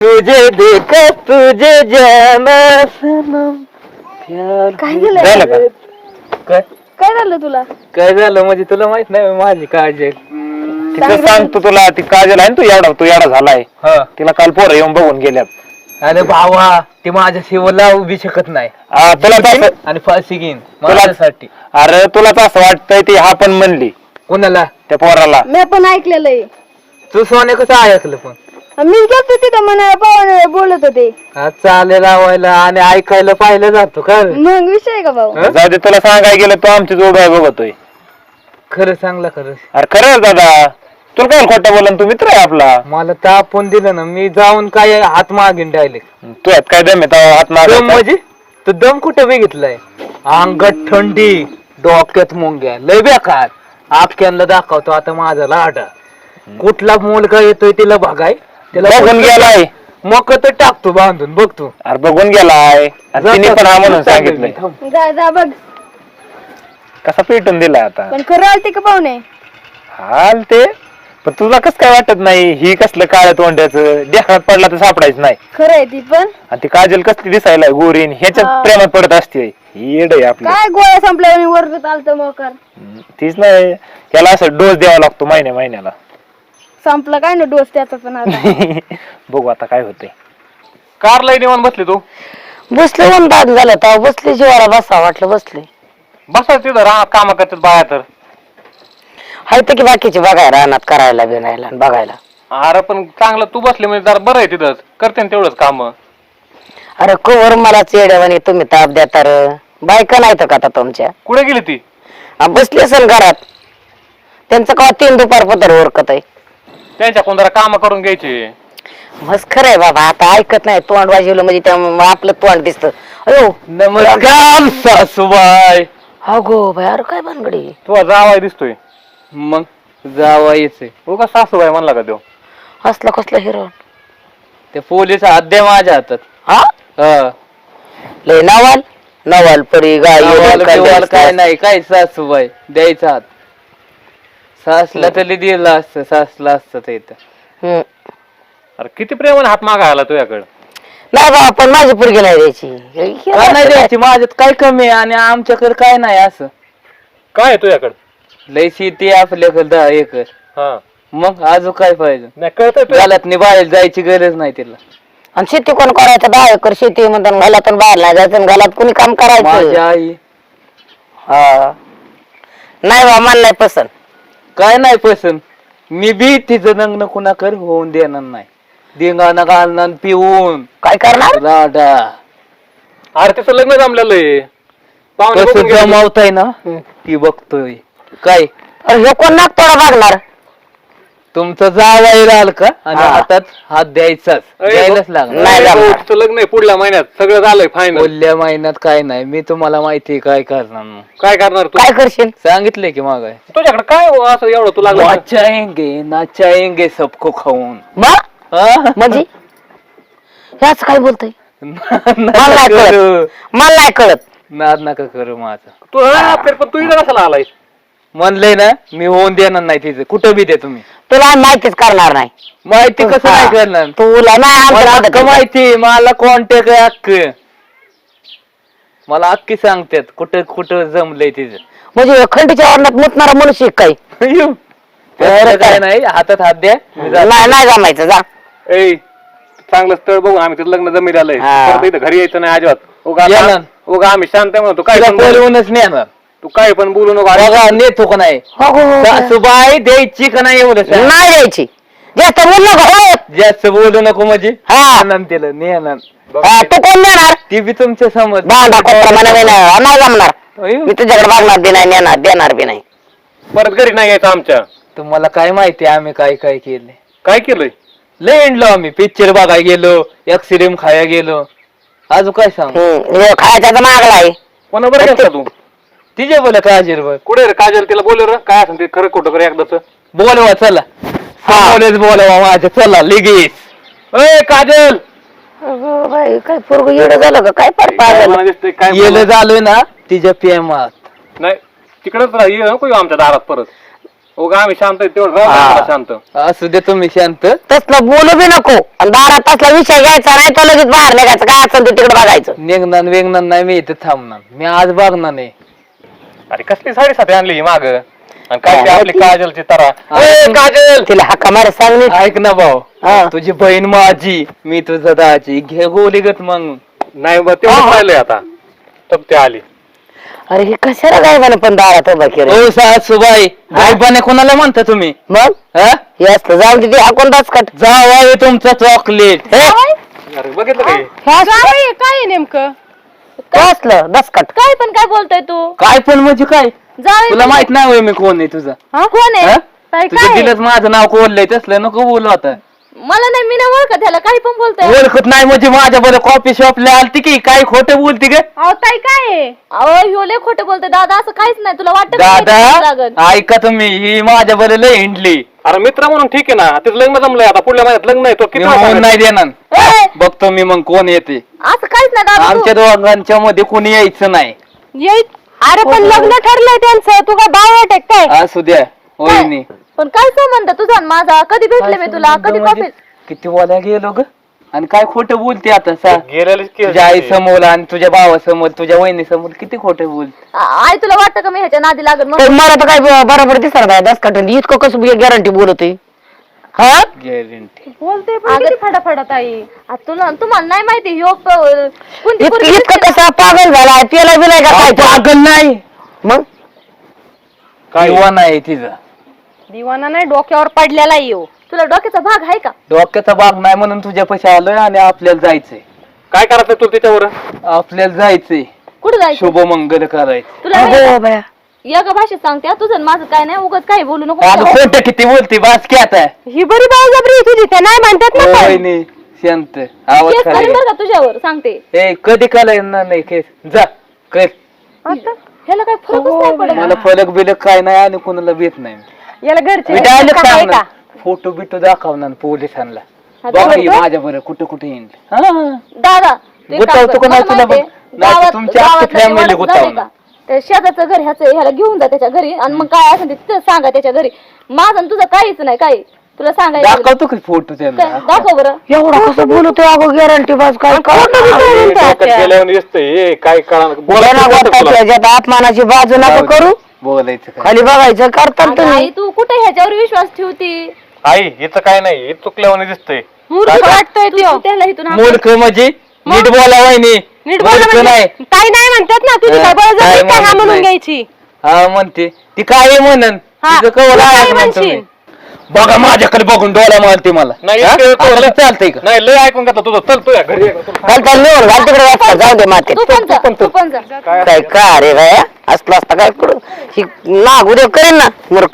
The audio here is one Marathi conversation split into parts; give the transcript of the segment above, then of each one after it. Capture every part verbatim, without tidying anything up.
तुझे देख तुझे जाना सनम प्यार. काय झालं? झालं का? काय काय झालं तुला? काय झालं म्हणजे तुला माहित नाही माझी काळजी आहे. तिचं सांगतो तुला, ती काजल आहे ना, तू येडा तू येडा झालाय. हा. तिला काल पोरं येऊन बघून गेल्यात. अरे भावा ती माझ्या शिवला उभी शकत नाही हा, तुला तसं- आणि फाशी घेईन तुला- माझ्यासाठी. अरे तुलाच असं वाटतंय ती हा पण म्हणली कोणाला? त्या पोराला. मी पण ऐकलेलं आहे. तू सोने कसं ऐकलं पण? मी गेलतो तिथं म्हणाला पाहुणे बोलत होते. हा, चालेल लावायला आणि ऐकायला पाहिलं जातो का रे? मग विषय आहे का भाऊ? हं? जाऊ दे, तुला सांगाय गेलं तू आमची जोड आहे बघतोय. खरं सांगला खरं. अरे खरं दादा, तुला काय खोटं बोलन, तू मित्र आहे आपला. मला तापून दिलं ना, मी जाऊन काय हात मागेन डायरेक्ट. तू यात काय दम आहे हात दम मागायचा? म्हणजे तू दम कुठे बघितलाय? अंगात थंडी, डोक्यात मुंग्या, लय बेकार. आख्यांना दाखवतो आता माझा लाडा. कुठला मुलगा येतोय तिला बघाय, तिला बघून गेलाय. मग तर टाकतो बांधून बघ तू. अरे बघून गेलाय आणि तिने पण हा म्हणून सांगितलंय. जा जा बघ. कसा पेटून दिलाय आता. पण खरं आलते का पाहुणे? हाल ते पण तुला कस काय वाटत नाही? ही कसलं काळ्या तोंड्याचं देखात पडला तर सापडायचं नाही. खरं आहे ती पण. आणि ती काजल कसली दिसायला गोरीन, ह्याच्यात हा. प्रेमात पडत असते. ही येड आहे आपली. काय गोळ्या संपल्यावर वरत आलत मोकार. तीच नाही, त्याला असं डोस द्यावा लागतो महिन्या महिन्याला. संपला काय ना डोस त्याचा पण आता. बघू आता काय होतंय. कार लई निवांत बसली तू. बसले म्हणून दाद झालं तर बसले जीवाला बसा वाटलं बसले. बसायचं तिथं राहत काम करतात बाया तर. हाय तर की बाकीचे बघायला रानात करायला बिनायला आणि बघायला. अरे पण चांगलं तू बसली म्हणजे जरा बरं आहे तिथंच, करते ना तेवढंच काम. अरे कवर मला चेड्यावानी तुम्ही ताप द्या तर बायका नाहीत का आता तुमच्या? कुठे गेली ती? आ, बसली असेल घरात. त्यांचं का तीन दुपार पत्र ओरकत आहे. त्यांच्या कोण जरा काम करून घ्यायची. मस्त खरं आहे बाबा, आता ऐकत नाही. तोंड वाजवलं म्हणजे त्या मग आपलं तोंड दिसतं. अयो नमस्कार सासूबाई. अगो बाय, अरे काय भानगडी. तुझा जावाय दिसतोय. मग जावायचंय. उगा सासूबाई म्हणला का तो? असला कसला हिरो. ते पोलीस अद्या माझ्या हातात. हा हा. लय नवाल नवाल परी गाय नवाल बिवाल काय नाही, काय सासूबाई द्यायचा हात. सासला तरी दिला असतं, सासला असतं ते इथं. हम्म. अरे किती प्रेमाने हात मागायला तुझ्याकडे. नाही बा, पण माझी पोरगी नाही द्यायची. काय नाही द्यायची, माझ्यात काय कमी आहे आणि आमच्याकडे काय नाही असं. काय आहे तुझ्याकडे? लय शेती आहे आपल्याकडे दहा एकर. हा, मग अजून काय पाहिजे? नाही कळतंय तुला. घालात नाही बाहेर जायची गरज नाही तिला. आणि शेती कोण करायचं? दहा एकर शेती म्हणतात, घालातून बाहेर नाही जायचं, घालात कोणी काम माझी करायचं. आई हा नाही बा, मला नाही पसंत. काय नाही पसंत. मी बी तिचं लग्न कुणाकडे होऊन देणार नाही. धिंगाणा घालणार पिऊन काय करणार? लाडा. अरे तिचं लग्न जमलेलं आहे. पाहुणे कसं बघून गेले. जमावताय ना ती बघतोय. काय अरे हे कोण नाक तोडा बघणार? तुमचं जावाई राहिल का आणि हा. हातात हात द्यायचाच, अरे द्यायलाच भाऊ, लागणार. नाही अरे भाऊ, जमणार. तिचं लग्न आहे पुढल्या महिन्यात. सगळं झालंय फायनल. बोलल्या महिन्यात काय नाही. मी तुम्हाला माहिती काय करणार मग. काय करणार तू? काय करशील? सांगितलंय की मागाय तुझ्याकडे काय हो असं एवढं तू लागलं? नाचाएंगे नाचाएंगे सबको खाऊन. बा हा? म्हणजे याच काय बोलतोय? मला नका नाही करू. कळत, मला नाही कळत. नाद नका करू माझा. तू हा, फिर पण तू इथं कशाला आलाय? म्हणलंय ना मी होऊन देणार नाही तिचं. कुठं बी दे तुम्ही. तुला माहितीच करणार नाही. माहिती कसं हा. नाही करणार? तुला नाही मला आमचं अक्क नातं. माहिती. मला कॉन्टॅक्ट आहे अक्क. मला अक्की सांगतात कुठं कुठं जमलंय तिचं. म्हणजे खंडीच्या वर्णात मुतणारा मनुष्य काय? अय्यो. त्याचं काय नाही. हातात हात द्या. मी जातो. नाही नाही जमायचं, जा. ए चांगलं स्थळ बघू आम्ही तिथं लग्न जमीन आलंय. हा. परत इथं घरी यायचं नाही अजिबात. उगा या ना. उगा आम्ही शांत आहे म्हणतो. काय तिला पण बोलू- बोलवूनच नेणार. तू काय पण बोलू नको. अरे बघा नेतो का नाही. हो, हो, हो. सासूबाई द्यायची का नाही एवढं सांग. नाही द्यायची. जास्त बोल नको. हो. जास्त बोलू नको म्हणजे हा. नेणार तिला नेणार. हा, तू कोण देणार? ती बी तुमच्या समज. भांडा कोपरा म्हणा नाही नाही जमणार. अय्यो. मी तुझ्याकडे बघणार बी नाही, नेणार देणार बी नाही. परत घरी नाही यायचं आमच्या. तुम्हाला काय माहिती आम्ही काय काय केले. काय केलंय? लय इंडलो आम्ही. पिक्चर बघायला गेलो, एक्सिडेंट खायला गेलो. अजून काय सांग. हम्म, हे खायचा तर मागला आहे. कोणा बरं गेलता तू? तिचे बोला काय बघ. कुठे रे काजल? तिला बोल रे काय असं ते खरं खोटं कर एकदाच. बोलवा चला. बोलेच बोलवा माझ्या चला लगेच. ए काजल अगं बाई, काय पोरग येडं झालं का काय? पार पागल. मला दिसतंय काय गेलं झालोय ना तिच्या प्रेमात. नाही तिकडेच राह ये नको येऊ आमच्या दारात परत. उगा आम्ही शांत आहे, तेवढं राहू दे आम्हाला शांत. असू दे तुम्ही शांत. तसलं बोलू बी नको आणि दारात तसला विषय घ्यायचा नाही तर लगेच बाहेर निघायचं काय असेल ते तिकडे बघायचं. निघणार वेगणार नाही मी इथे थांबणार. मी आज बघणार नाही. अरे कसली साडेसाती आणली ही माग आणि काय ते आपली काजलची तरा. ए, काजल तिला हक्का मारे सांग नीट. ऐक ना भाऊ, हा. तुझी बहीण माझी, मी तुझं दाजी. घे गोली गत मग. नाही मग तेवढं राहिलंय आता. तब ते आली. अरे हे कशाला गायबाने पण दारात उभा केलं. ओ सासूबाई, गायबाने कोणाला म्हणता तुम्ही? मग हा? हे असलं जाऊन तिथे हाकून दसकट. जावाय तुमचं चॉकलेट. अरे बघितलं काय काय काय नेमकं काय असलं दसकट. काय पण काय बोलतोय तू? काय पण म्हणजे काय? जाऊ तुला माहित नाही होय मी कोण आहे तुझं? कोण आहे? हा? काय तुझं काय? दिलंच माझं नाव कोणलंय तसलं नको बोलू आता. मला नाही, मी नाही ओळखत ह्याला. काही पण बोलतोय. ओळखत नाही म्हणजे माझ्या बरं कॉफी शॉपला आलती की काय खोटं बोलती ग? अहो ताई काय आहे? अहो ह्यो लय खोटं बोलतोय दादा. असं काहीच नाही. तुला वाटतं का माहिती नाही लागत? दादा ऐका तुम्ही, ही माझ्या बरं लय हिंडली. अरे मित्र म्हणून ठीक आहे ना, तिचं लग्न जमलंय आता, पुढल्या महिन्यात लग्न आहे. तो मी किती होऊन वाजता नाही देणार. ए, बघतो मी मग कोण येते. असं काहीच नाही दादा. आमच्या दोघांच्या मध्ये कोणी यायचं नाही. येईत. अरे पण लग्न ठरलंय त्यांचं. तू काय बावट आहे काय? असू द्या होईनी. पण काय संबंध तुझा आणि माझा? कधी भेटले मी तुला? कधी कॉफी? किती बोला गेलो ग आणि काय खोटं बोलते आता सा. गेलेलीच की तुझ्या आई समोर आणि तुझ्या भावासमोर तुझ्या वहिनी समोर किती खोटं बोलते. आई तुला वाटतं का मी ह्याच्या नादी लागत? मग तर मला तर काय ब- बरोबर दिसणार नाही दसकट. इतकं कसं गॅरंटी बोलतोय. हा गॅरंटी बोलते फटाफट आई. आ, तुला तुम्हाला नाही माहिती ह्यो प- कोणती इतकं पोरगी इतकं दिसते कसा पागल झाला त्याला बी नाही का काय तो? पागल नाही, मग काय दिवाना आहे तिचा. दिवाना नाही, डोक्यावर पडलेला येऊ. तुला डोक्याचा भाग आहे का? डोक्याचा भाग नाही म्हणून तुझ्या पैसे आलोय आणि आपल्याला जायचंय. काय करायचं तू त्याच्यावर? आपल्याला जायचंय कुठं जायचं? शुभ मंगल करायचं. तुला नाही अगो का? बाया. एका भाषेत सांगते हा, तुझं आणि माझं काय नाही. उगाच काही बोलू नको. अगं खोटं किती बोलते बास की आता. ही बरी बाळजबरी तुझी, ते नाही म्हणतात ना पण. वहिनी शांत आवाज केस करेन खाली. बरं का तुझ्यावर सांगते. ए कधी करायला नाही केस जा कर. आता ह्याला काय फरकच नाही पडत. मला फलक बिलक काय नाही आणि कोणाला भेट नाही. याला घरचे मी डायरेक्ट काय सांगणार का? फोटो बिटो दाखवणार पोलिसांना. हा, बघा ही दाखवतो? माझ्या बरं कुठं कुठे येईल. हा दादा तू एक काम गुतावतो कर. का नाही मला तुला माहितीये, बघ. नाही तर गावात- तुमची अख्खी गावातलं family निवाडा गुतावणार. झालंय का? ते शेजारचं घर ह्याचं ह्याला घेऊन जा त्याच्या घरी आणि मग काय असेल ते तिथं सांगा त्याच्या घरी. माझं आणि तुझं काहीच नाही. काही तुला सांगायचं दाखवतो की फोटो काय? त्यांना. दाखव बरं. एवढा कसं बोलतोय अगो गॅरंटी बाज काय डोक्यात गेल्यावर दिसतंय हे काय कळणार. बोलायला वाटतं तुला. त्याच्यात अपमानाची बाजू नका करू. बोलायचं काय. खाली बघायचं करतात अगं तुम्ही. आई तू कुठे ह्याच्यावर विश्वास ठेवती? आई हिचं काय नाही, हे चुकल्यावर दिसतंय. मूर्ख वाटतोय तू त्याला इथून हाक- मूर्ख म्हणजे नीट बोला वहिनी. नीट मूर्ख नाही. काही नाही म्हणतात ना. तुझी हा, काय बळजबरी काय काय हा म्हणत म्हणून नाही. घ्यायची? हा म्हणते ती काय म्हणन हा, तिचं कवर तू आहे काय म्हणतो म्हणशील? मी. बघा माझ्याकडे बघून डोळा मारते मला. नाही, हा? इतकं तो- आता चालतंय का? नाही लय ऐकून घेतलं तुझं. चल तुझ्या घरी ये. घाल त्याला निवड घाल तिकडे वाजता जाऊ दे माते. तू पण जा, तू पण जा. काय का रे बाया असलं असतं काय करू ही नाग उद्या करेन ना मूर्ख.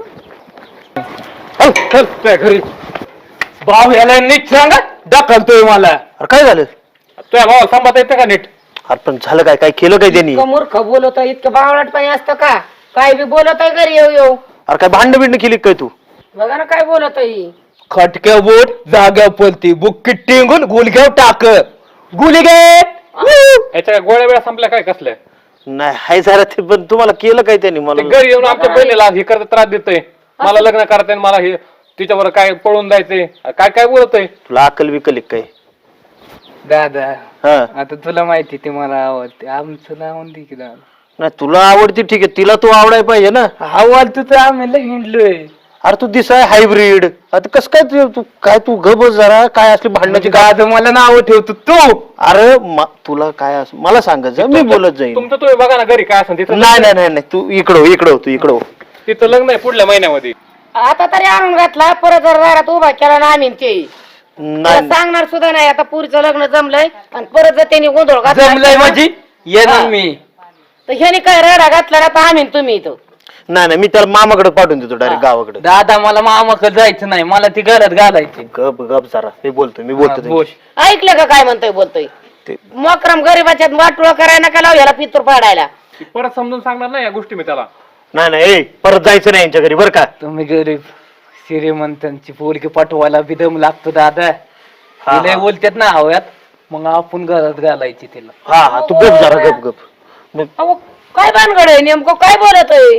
चल चल तुझ्या घरी. भाऊ याला नीट सांगा ढकलतोय मला. अरे काय झालं? तुझ्या भावाला सांभाळता येतं का नीट? अरे पण झालं काय? काय केलं काय त्यांनी? इतकं मूर्ख बोलत इतकं बावळटपणे असतं का? काय बी बोलत आहे घरी येऊ येऊ. अरे काय भांड बिंड केली काय तू? बघा ना काय बोलत आहे. खटक्या बोट जाग्यावर पलती बुक्की टिंगून गुलघ्याव टाक गुली गे. याच्या काय गोळ्या वेळा संपल्या काय कसल्या? नाही हाय जरा ते पण तुम्हाला केलं काय त्यांनी ते मला? घरी येऊन आमच्या बहिणीला हे करत त्रास देतोय. मला लग्न करताय मला हे तिच्यावर काय पळून जायचंय काय काय बोलतोय. तुला अकल बिकल आहे काय? दादा हा आता तुला माहिती ती मला आवडते. आमचं नाव दे की दादा. नाही तुला आवडती ठीक आहे, तिला तू आवडाय पाहिजे ना. आवडतो तर आम्ही लय हिंडलोय. अरे तू दिसाय हायब्रिड. आता कसं काय तू तू- काय तू ग बस जरा काय असली भांडणाची काय? दादा मला नाव ठेवतो तू. अरे म- तुला काय असं मला सांगत जा मी बोलत जाईन. तुमचं तुम्ही बघा ना घरी काय असं तिथं. नाही नाही नाही नाही तू इकडं हो, इकडं हो, तू इकडं हो. तिथं लग्न आहे पुढल्या महिन्यामध्ये. आता तरी आणून घातला परत जर दारात उभा केला ना आम्ही ते नाही सांगणार सुद्धा नाही. आता पुरीचं लग्न जमलंय आणि परत जर त्यांनी गोंधळ जमलंय घातला म्हणजे येणार हा. मी. तर ह्याने काय राडा घातला ना तर आम्ही न तुम्ही इथं. नाही नाही, मी त्याला मामाकडे पाठवून देतो डायरेक्ट गावाकडे. दादा मला मामाकडे जायचं नाही. मला ती घरात घालायची. गप गप जरा मी बोलतो मी बोलतो हा, ते. बोल. ऐकलं का काय म्हणतोय बोलतोय ते- मोकरम गरीबाच्यात वाटोळ करायला नका लाव ह्याला पितूर पाडायला. ती परत समजून सांगणार नाही या गोष्टी मी त्याला. नाही नाही ए, परत जायचं नाही यांच्या घरी बरं का. तुम्ही गरीब श्रीमंतांची पोरगी पाठवायला बिदम लागतो दादा. हा, तिला हा. बोलतात ना हव्यात मग आपण घरात घालायची तिला. हा हा तू गप जरा गप गप मग अहो काय भानगड आहे नेमकं काय बोलत आहे?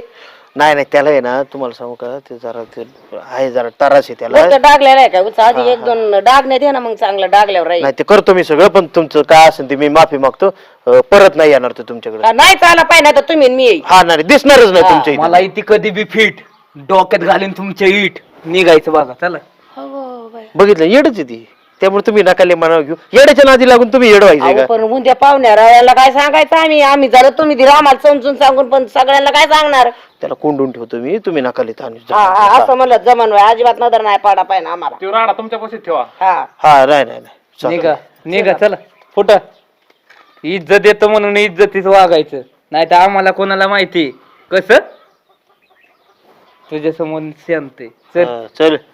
नाही नाही त्याला आहे ना तुम्हाला सांगू का ते जरा ते आहे जरा तरास आहे त्याला नुसतं डागलेलं आहे का उचा आधी एक दोन डागण्यात ये ना मग चांगलं डागल्यावर राहील. नाही ते करतो मी सगळं पण तुमचं काय असेल ते मी माफी मागतो अं, परत नाही येणार तो तुमच्याकडे का नाही चाला पाहिजे तर तुम्ही आणि मी येईल. हा नाही दिसणारच नाही तुमच्या इथे. मला इथे कधी बी फिट डोक्यात घालीन तुमच्या इट निघायचं बघा चला. बघितलं येडच आहे ती त्यामुळे तुम्ही नकाले मनावर घेऊ येड्याच्या नादी लागून तुम्ही येड व्हायचे अहो, का पण उद्या पाहुण्या रावळ्याला काय सांगायचं आम्ही आम्ही जरा तुम्ही दिला आम्हाला समजून सांगून पण सगळ्यांना काय सांगणार. त्याला कोंडून ठेवतो मी तुम्ही नकाले ताणू हा हा असं म्हणलं जमन वय अजिबात नजर नाही पाडा पाहिजे आम्हाला. तो राडा तुमच्या पाशीच ठेवा. हा हा नाही नाही नाही चालेल. निघा निघा चला फुट इज्जत येतो म्हणून इज्जतीच वागायचं नाही तर आम्हाला कोणाला माहिती कसं तुझ्या समोर शांत आहे. चल हा, चल